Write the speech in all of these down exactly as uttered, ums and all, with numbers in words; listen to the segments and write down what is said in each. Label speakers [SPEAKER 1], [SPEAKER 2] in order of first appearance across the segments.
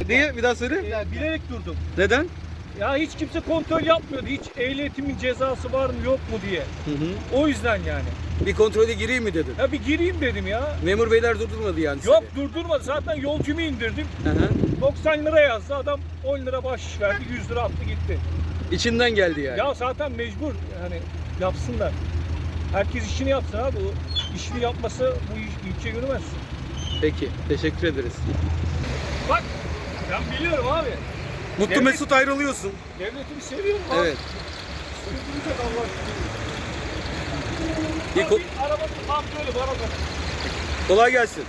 [SPEAKER 1] Niye? Bir daha söyle.
[SPEAKER 2] Ya, bilerek durdum.
[SPEAKER 1] Neden?
[SPEAKER 2] Ya hiç kimse kontrol yapmıyordu. Hiç ehliyetimin cezası var mı yok mu diye.
[SPEAKER 1] Hı hı.
[SPEAKER 2] O yüzden yani.
[SPEAKER 1] Bir kontrole gireyim mi dedin?
[SPEAKER 2] Ya bir gireyim dedim ya.
[SPEAKER 1] Memur beyler durdurmadı yani
[SPEAKER 2] Yok
[SPEAKER 1] seni.
[SPEAKER 2] durdurmadı. Zaten yolcumu indirdim.
[SPEAKER 1] Hı hı.
[SPEAKER 2] doksan lira yazdı. Adam on lira bahşiş verdi. yüz lira attı gitti.
[SPEAKER 1] İçinden geldi yani.
[SPEAKER 2] Ya zaten mecbur. Yani yapsınlar. Herkes işini yapsın abi. O işini yapmasa bu iş- ülke yürümez.
[SPEAKER 1] Peki. Teşekkür ederiz.
[SPEAKER 2] Bak ben biliyorum abi.
[SPEAKER 1] Mutlu
[SPEAKER 2] Devlet-
[SPEAKER 1] Mesut ayrılıyorsun.
[SPEAKER 2] Devletimi seviyorum abi.
[SPEAKER 1] Evet.
[SPEAKER 2] Sürdürecek Allah aşkına.
[SPEAKER 1] Bir
[SPEAKER 2] Ya
[SPEAKER 1] ko-
[SPEAKER 2] bir arabanın kontrolü var o kadar.
[SPEAKER 1] Kolay gelsin.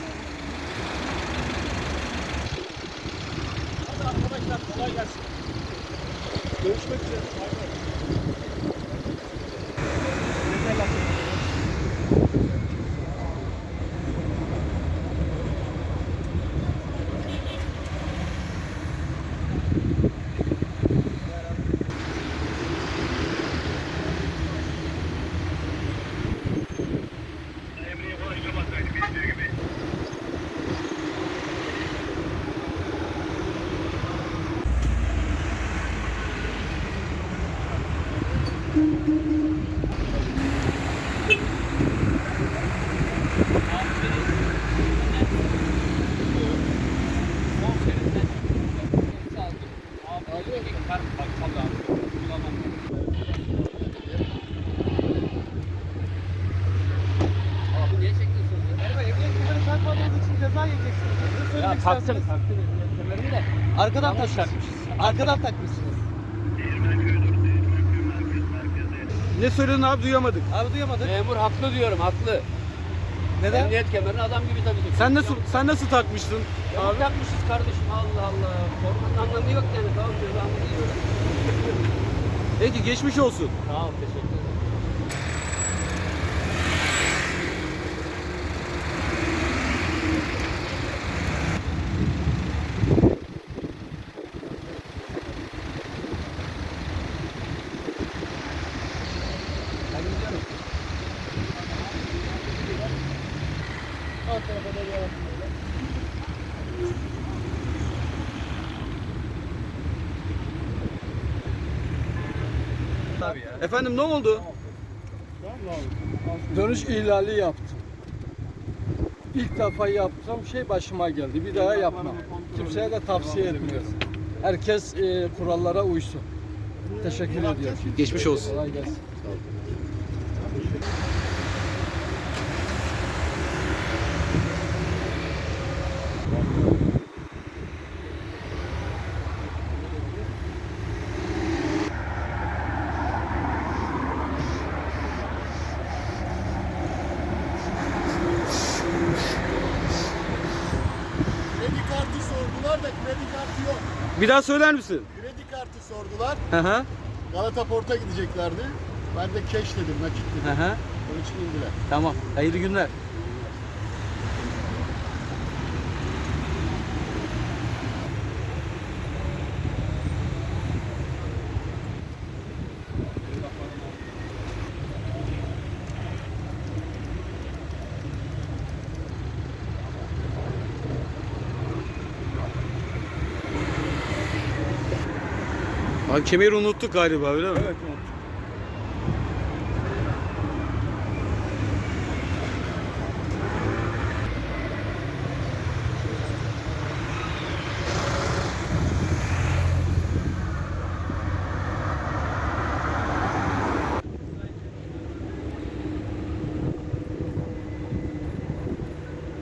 [SPEAKER 2] Hadi arkadaşlar kolay gelsin. Görüşmek üzere. Bay bay.
[SPEAKER 3] Ya taktım, taktım. De. Arkadan takmışsınız. Arkadan takmışsınız.
[SPEAKER 1] Ne söyledin abi duyamadık.
[SPEAKER 3] Abi duyamadık.
[SPEAKER 4] Memur haklı diyorum, haklı.
[SPEAKER 3] Neden?
[SPEAKER 4] Emniyet kemerini adam gibi takacak.
[SPEAKER 1] Sen nasıl sen nasıl takmıştın
[SPEAKER 4] Abi
[SPEAKER 1] abi?
[SPEAKER 4] takmışız kardeşim, Allah Allah. Korkmanın anlamı yok yani, tamam cezamı yiyorlar.
[SPEAKER 1] Peki geçmiş olsun.
[SPEAKER 4] Sağ ol, teşekkür ederim. Ben gidiyorum.
[SPEAKER 2] Alt tarafa da devam edelim.
[SPEAKER 1] Efendim ne oldu?
[SPEAKER 5] Dönüş ihlali yaptım. İlk defa yaptığım şey başıma geldi. Bir daha yapmam. Kimseye de tavsiye etmiyorum. Herkes e, kurallara uysun. Teşekkür ediyorum.
[SPEAKER 1] Geçmiş olsun.
[SPEAKER 5] Kolay gelsin.
[SPEAKER 6] Kredi kartı sordular da kredi kartı yok.
[SPEAKER 1] Bir daha söyler misin?
[SPEAKER 6] Kredi kartı sordular.
[SPEAKER 1] Hı hı.
[SPEAKER 6] Galata Port'a gideceklerdi. Ben de cash dedim, nakit
[SPEAKER 1] Hı
[SPEAKER 6] dedim.
[SPEAKER 1] hı.
[SPEAKER 6] Onun için indiler.
[SPEAKER 1] Tamam. Hayırlı günler. Abi kemeri unuttuk galiba öyle mi?
[SPEAKER 2] Evet unuttum.